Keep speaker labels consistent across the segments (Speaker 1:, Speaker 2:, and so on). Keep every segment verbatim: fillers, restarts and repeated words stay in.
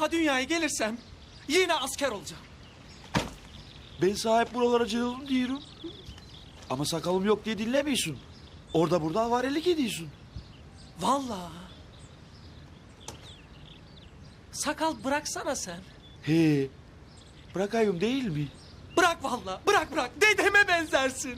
Speaker 1: daha dünyaya gelirsem yine asker olacağım.
Speaker 2: Ben sahip buralara cığılım diyorum. Ama sakalım yok diye dinlemiyorsun. Orada burada avarelik ediyorsun.
Speaker 1: Vallahi. Sakal bıraksana sen.
Speaker 2: He, bırakayım değil mi?
Speaker 1: Bırak vallahi, bırak bırak. Dedeme benzersin.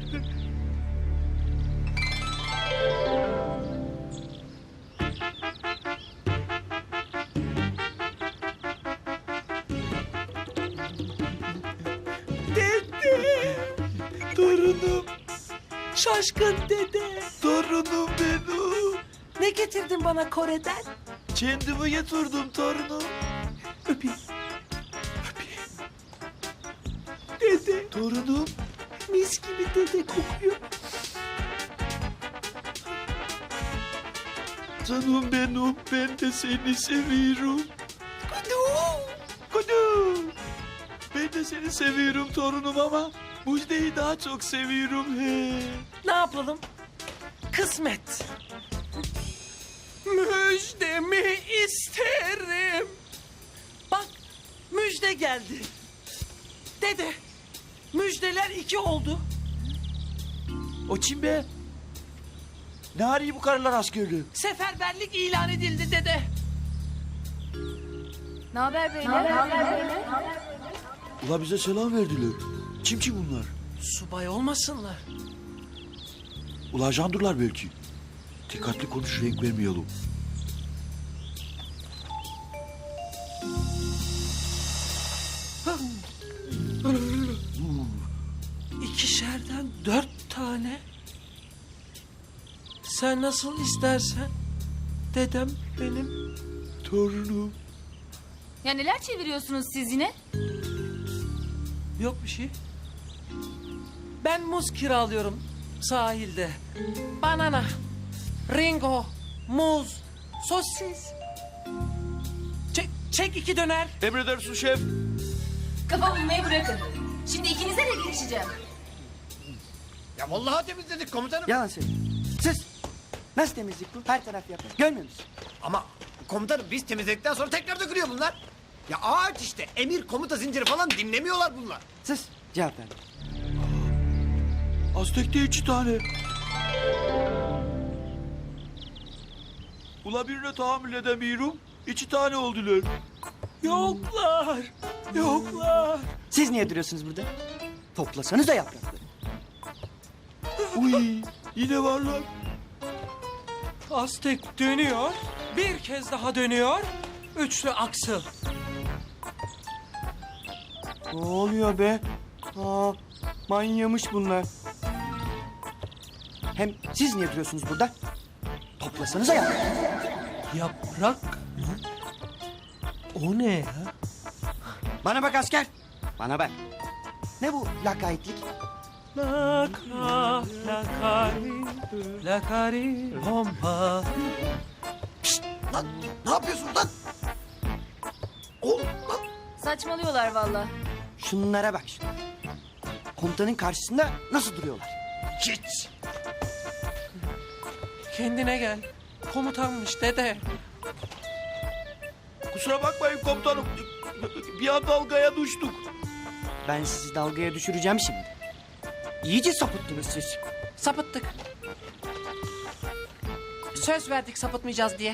Speaker 1: Dede.
Speaker 2: Torunum,
Speaker 1: Şaşkın dede.
Speaker 2: torunum benim.
Speaker 1: Ne getirdin bana Kore'den?
Speaker 2: Kendimi getirdim torunum.
Speaker 1: Öpeyim. Öpeyim. Dede.
Speaker 2: Torunum.
Speaker 1: Mis gibi dede kokuyor.
Speaker 2: Canım benim, ben de seni seviyorum. Kudu, kudu. Ben de seni seviyorum torunum ama Müjde'yi daha çok seviyorum he.
Speaker 1: Ne yapalım? Kısmet. Müjdemi isterim. Bak, müjde geldi. Dede, müjdeler iki oldu.
Speaker 2: O kim be? Ne arıyor bu karılar askerliği?
Speaker 1: Seferberlik ilan edildi dede.
Speaker 3: Ne haber beyler?
Speaker 2: Ula bize selam verdiler. Kim ki bunlar?
Speaker 1: Subay olmasınlar.
Speaker 2: Ula ajandurlar belki. Dikkatli konuş, renk vermeyelim.
Speaker 1: İkişerden dört tane. Sen nasıl istersen. Dedem benim.
Speaker 2: Torunum.
Speaker 3: Ya neler çeviriyorsunuz siz yine?
Speaker 1: Yok bir şey. Ben muz kiralıyorum sahilde. Banana, ringo, muz, sosis. Çek, çek iki döner.
Speaker 2: Emredersin şef.
Speaker 3: Kafa bulmayı bırakın. Şimdi ikinize de girişeceğim.
Speaker 4: Ya vallahi temizledik komutanım.
Speaker 5: Yalan söylüyor. Sus. Nasıl temizlik bu? Her taraf yapar. Görmüyor musun?
Speaker 4: Ama komutanım biz temizledikten sonra tekrar dökülüyor bunlar. Ya ağaç işte emir komuta zinciri falan dinlemiyorlar bunlar.
Speaker 5: Sus. Cevap verme.
Speaker 2: Aztek'te iki tane. Ula birine tahammül edemiyorum. İki tane oldular.
Speaker 1: Yoklar, yoklar.
Speaker 5: Siz niye duruyorsunuz burada? Toplasanız da yaprakları.
Speaker 2: Uy, yine varlar.
Speaker 1: Aztek dönüyor, bir kez daha dönüyor. Üçlü aksıl.
Speaker 5: Ne oluyor be? Aa, manyamış bunlar. Hem siz niye duruyorsunuz burada? Toplasanız da yaprakları.
Speaker 1: Yaprak mı? O ne ya?
Speaker 5: Bana bak asker. Bana bak. Ne bu lakaytlık?
Speaker 1: Laka, lakari, lakari, bomba.
Speaker 4: Lan ne yapıyorsun lan? Oğlum lan.
Speaker 3: Saçmalıyorlar valla.
Speaker 5: Şunlara bak şuna. Komutanın karşısında nasıl duruyorlar?
Speaker 4: Hiç.
Speaker 1: Kendine gel. Komutanmış dede.
Speaker 2: Kusura bakmayın komutanım. Bir an dalgaya düştük.
Speaker 5: Ben sizi dalgaya düşüreceğim şimdi. İyice sapıttınız siz.
Speaker 1: Sapıttık. Söz verdik sapıtmayacağız diye.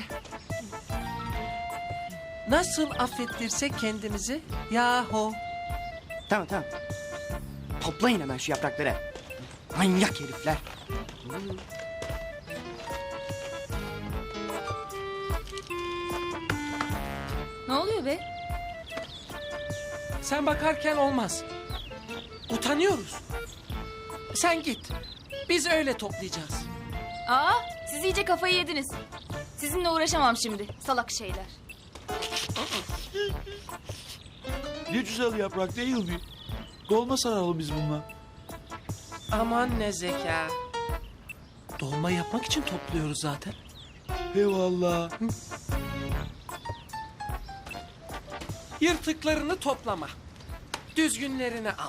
Speaker 1: Nasıl affettirsek kendimizi yahu.
Speaker 5: Tamam tamam. Toplayın hemen şu yaprakları. Manyak herifler.
Speaker 3: Ne oluyor be?
Speaker 1: Sen bakarken olmaz. Utanıyoruz. Sen git. Biz öyle toplayacağız.
Speaker 3: Aa, siz iyice kafayı yediniz. Sizinle uğraşamam şimdi. Salak şeyler.
Speaker 2: Ne güzel yaprak değil mi? Dolma saralım biz bununla.
Speaker 1: Aman ne zeka. Dolma yapmak için topluyoruz zaten.
Speaker 2: Eyvallah.
Speaker 1: Yırtıklarını toplama. Düzgünlerini al.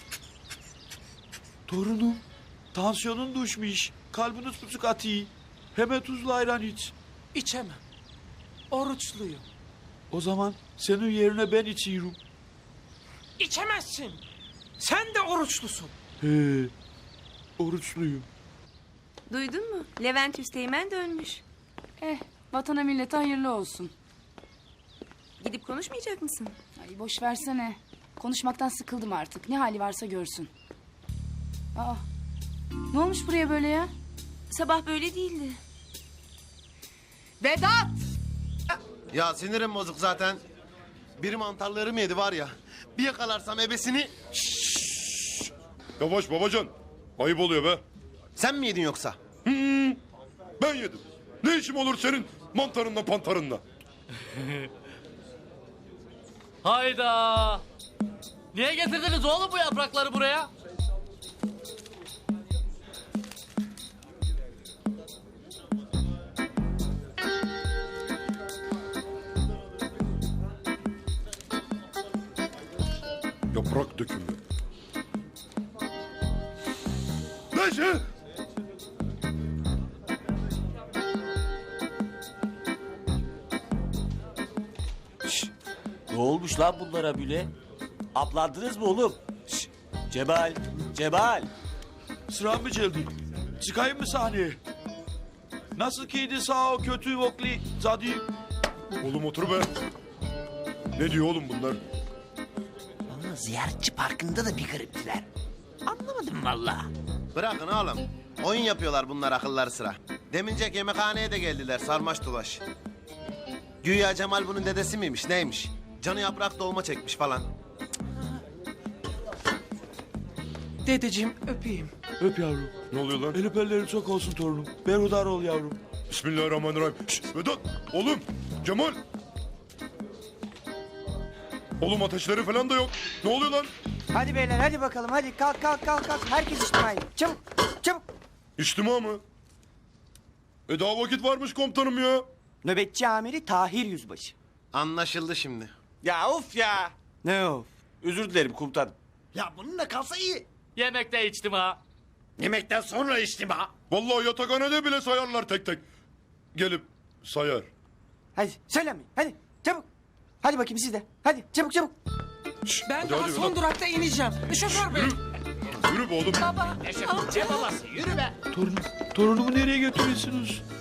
Speaker 2: Torunum, tansiyonun düşmüş. Kalbiniz tutuk atıyor. Hemen tuzlu ayran iç.
Speaker 1: İçemem. Oruçluyum.
Speaker 2: O zaman senin yerine ben içiyorum.
Speaker 1: İçemezsin. Sen de oruçlusun.
Speaker 2: He, oruçluyum.
Speaker 6: Duydun mu? Levent Üsteğmen dönmüş.
Speaker 7: Eh, vatana millete hayırlı olsun.
Speaker 6: Gidip konuşmayacak mısın?
Speaker 7: Ay boş versene. Konuşmaktan sıkıldım artık. Ne hali varsa görsün. Aa, ne olmuş buraya böyle ya?
Speaker 6: Sabah böyle değildi.
Speaker 7: Vedat!
Speaker 8: Ya sinirim bozuk zaten. Bir mantarlarım yedi var ya. Bir yakalarsam ebesini...
Speaker 9: Yavaş babacan. Ayıp oluyor be.
Speaker 8: Sen mi yedin yoksa?
Speaker 9: Ben yedim. Ne işim olur senin mantarınla pantarınla?
Speaker 10: Hayda! Niye getirdiniz oğlum bu yaprakları buraya?
Speaker 9: Yaprak dökümü. Neyse.
Speaker 11: Ne olmuş lan bunlara bile? Aplandınız mı oğlum? Şş, Cemal, Cemal.
Speaker 2: Sıram mı geldi? Çıkayım mı sahneye? Nasıl kiydi sağ o kötü vokli zadi?
Speaker 9: Oğlum otur be. Ne diyor oğlum bunlar?
Speaker 11: Ama ziyaretçi parkında da bir gariptiler. Anlamadım vallahi.
Speaker 8: Bırakın oğlum. Oyun yapıyorlar bunlar akılları sıra. Demincek yemekhaneye de geldiler sarmaş dolaş. Güya Cemal bunun dedesi miymiş neymiş? Canı yaprak dolma çekmiş falan.
Speaker 1: Dedeciğim öpeyim.
Speaker 2: Öp yavrum.
Speaker 9: Ne oluyor lan?
Speaker 2: El öperlerin çok olsun torunum. Berhudar ol yavrum.
Speaker 9: Bismillahirrahmanirrahim. Şşt, Vedat, oğlum, Cemal. Oğlum ateşleri falan da yok. Ne oluyor lan?
Speaker 5: Hadi beyler hadi bakalım hadi kalk kalk kalk kalk. Herkes içtimai. Çabuk çabuk.
Speaker 9: İçtima mı? E daha vakit varmış komutanım ya.
Speaker 5: Nöbetçi amiri Tahir Yüzbaşı.
Speaker 8: Anlaşıldı şimdi.
Speaker 11: Ya of ya.
Speaker 5: Ne o?
Speaker 11: Özür dilerim komutanım.
Speaker 4: Ya bununla kalsa iyi.
Speaker 10: Yemekte içtim ha.
Speaker 4: Yemekten sonra içtim ha.
Speaker 9: Vallahi yatakhanede bile sayarlar tek tek. Gelip sayar.
Speaker 5: Hadi söylemeyin hadi çabuk. Hadi bakayım siz de. Hadi çabuk çabuk.
Speaker 1: Ben
Speaker 9: Hadi,
Speaker 1: daha
Speaker 9: hadi,
Speaker 1: son
Speaker 9: Vedat.
Speaker 1: durakta ineceğim. Şoför bey.
Speaker 9: Yürü be oğlum.
Speaker 1: Baba.
Speaker 4: Ne babası yürü be.
Speaker 2: Torunum, torunumu nereye götürüyorsunuz?